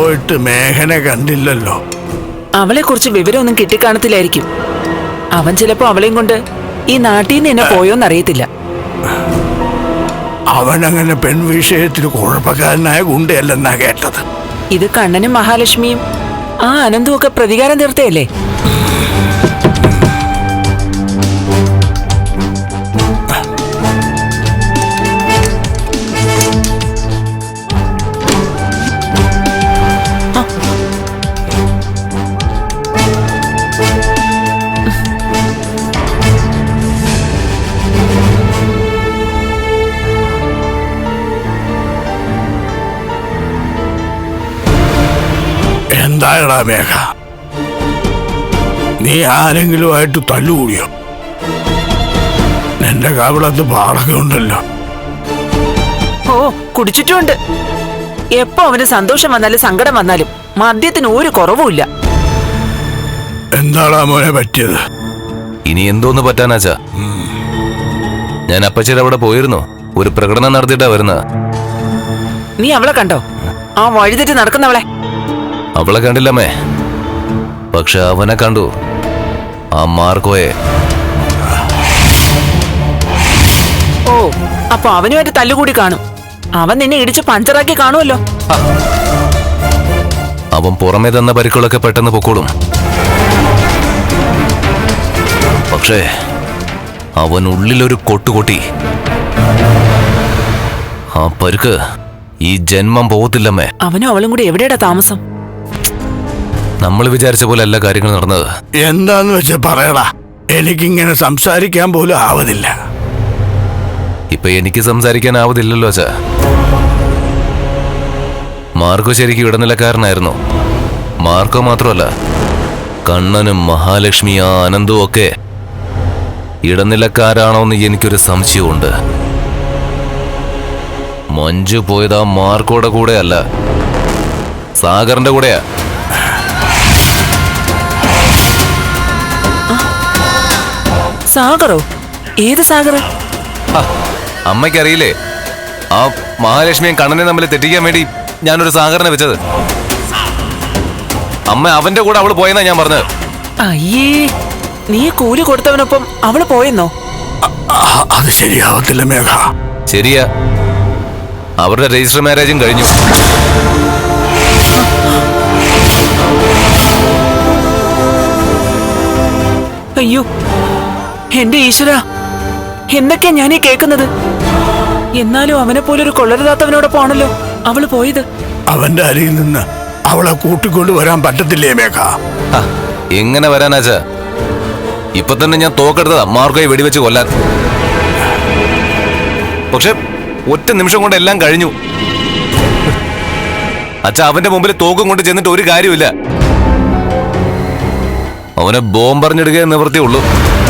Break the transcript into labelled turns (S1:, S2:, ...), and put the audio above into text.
S1: പോയിട്ട് മേഘനെ കണ്ടില്ലല്ലോ.
S2: അവളെ കുറിച്ച് വിവരമൊന്നും കിട്ടിക്കാണത്തില്ലായിരിക്കും. അവൻ ചിലപ്പോ അവളെയും കൊണ്ട് ഈ നാട്ടിൽ നിന്ന് എന്നെ പോയോന്നറിയത്തില്ല.
S1: അവനങ്ങനെ പെൺവിഷയത്തിൽ കുഴപ്പക്കാരനായ ഗുണ്ടയല്ലെന്നാ കേട്ടത്.
S2: ഇത് കണ്ണനും മഹാലക്ഷ്മിയും ആ അനന്തും ഒക്കെ പ്രതികാരം തീർത്തയല്ലേ?
S1: എന്തായടാ മേഘ, നീ ആരെങ്കിലുമായിട്ട് തല്ലുകൂടിയോ? നിന്റെ കവിളത്ത് പാടൊക്കെ ഉണ്ടല്ലോ.
S2: ഓ, കുടിച്ചിട്ടുണ്ട്. എപ്പോ അവന് സന്തോഷം വന്നാലും സങ്കടം വന്നാലും മദ്യത്തിന് ഒരു കുറവുമില്ല.
S1: എന്താടാ മോനെ പറ്റിയത്?
S3: ഇനി എന്തോന്ന് പറ്റാനാച്ചാ? ഞാൻ അപ്പച്ചേടെ അവിടെ പോയിരുന്നു. ഒരു പ്രകടനം നടത്തിയിട്ടാ വരുന്നത്.
S2: നീ അവളെ കണ്ടോ? ആ വഴിതെറ്റി നടക്കുന്നവളെ?
S3: അവളെ കണ്ടില്ലമ്മേ, പക്ഷെ അവനെ കണ്ടു. ആ മാർക്കോയെ.
S2: ഓ, അപ്പൊ അവനുമായിട്ട് തല്ലുകൂടി കാണും. അവൻ നിന്നെ ഇടിച്ച് പഞ്ചറാക്കി കാണുമല്ലോ.
S3: അവൻ പുറമേ തന്ന പരിക്കുകളൊക്കെ പെട്ടെന്ന് പൊക്കോളും. പക്ഷേ അവൻ ഉള്ളിലൊരു കൊട്ടുകൊട്ടി. ആ പരുക്ക് ഈ ജന്മം പോകത്തില്ലമ്മേ.
S2: അവനും അവളും കൂടി എവിടെയാടാ താമസം?
S3: നമ്മൾ വിചാരിച്ച പോലെ എല്ലാ കാര്യങ്ങളും നടന്നത്.
S1: എന്താന്ന് വെച്ചാ പറയടാ, എനിക്കിങ്ങനെ സംസാരിക്കാൻ പോലും ആവതില്ല.
S3: ഇപ്പൊ എനിക്ക് സംസാരിക്കാനാവതില്ലല്ലോ അച്ഛാ. മാർക്കോ ശരിക്കും ഇടനിലക്കാരനായിരുന്നു. മാർക്കോ മാത്രമല്ല, കണ്ണനും മഹാലക്ഷ്മി ആ അനന്തും ഒക്കെ ഇടനിലക്കാരാണോന്ന് എനിക്കൊരു സംശയമുണ്ട്. മഞ്ജു പോയത് ആ മാർക്കോയുടെ കൂടെ അല്ല, സാഗറിന്റെ കൂടെയാ.
S2: സാഗറോ? ഏത് സാഗറ്?
S3: അമ്മയ്ക്കറിയില്ലേ, ആ മഹാലക്ഷ്മിയും കണ്ണനെ തമ്മിൽ തെറ്റിക്കാൻ വേണ്ടി ഞാനൊരു സാഗറിനെ വെച്ചത്. അമ്മ അവന്റെ കൂടെ അവള് പോയെന്നാ ഞാൻ പറഞ്ഞത്.
S2: അയ്യേ, നീ കൂലി കൊടുത്തവനൊപ്പം അവള് പോയെന്നോ?
S1: അത് ശരിയാവത്തില്ല മേഘ.
S3: ശരിയാ, അവരുടെ രജിസ്റ്റർ മാരേജും കഴിഞ്ഞു.
S2: അയ്യോ എന്റെ ഈശ്വര, എന്തൊക്കെയാ ഞാനീ കേൾക്കുന്നത്? എന്നാലും അവനെ പോലൊരു കൊള്ളരുതാത്തവനോടൊപ്പമാണല്ലോ അവള് പോയത്.
S1: അവന്റെ അരിയിൽ നിന്ന് അവളെ കൂട്ടിക്കൊണ്ട് വരാൻ പറ്റത്തില്ലേ മേഘ?
S3: എങ്ങനെ വരാനാച്ചാ? ഇപ്പൊ തന്നെ ഞാൻ തോക്കെടുത്തതാ മാർക്കോയെ വെടിവെച്ച് കൊല്ലാൻ. പക്ഷെ ഒറ്റ നിമിഷം കൊണ്ട് എല്ലാം കഴിഞ്ഞു. അച്ഛാ, അവന്റെ മുമ്പിൽ തോക്കും കൊണ്ട് ചെന്നിട്ട് ഒരു കാര്യമില്ല. അവനെ ബോംബറിഞ്ഞിടുക നിവൃത്തിയുള്ളൂ.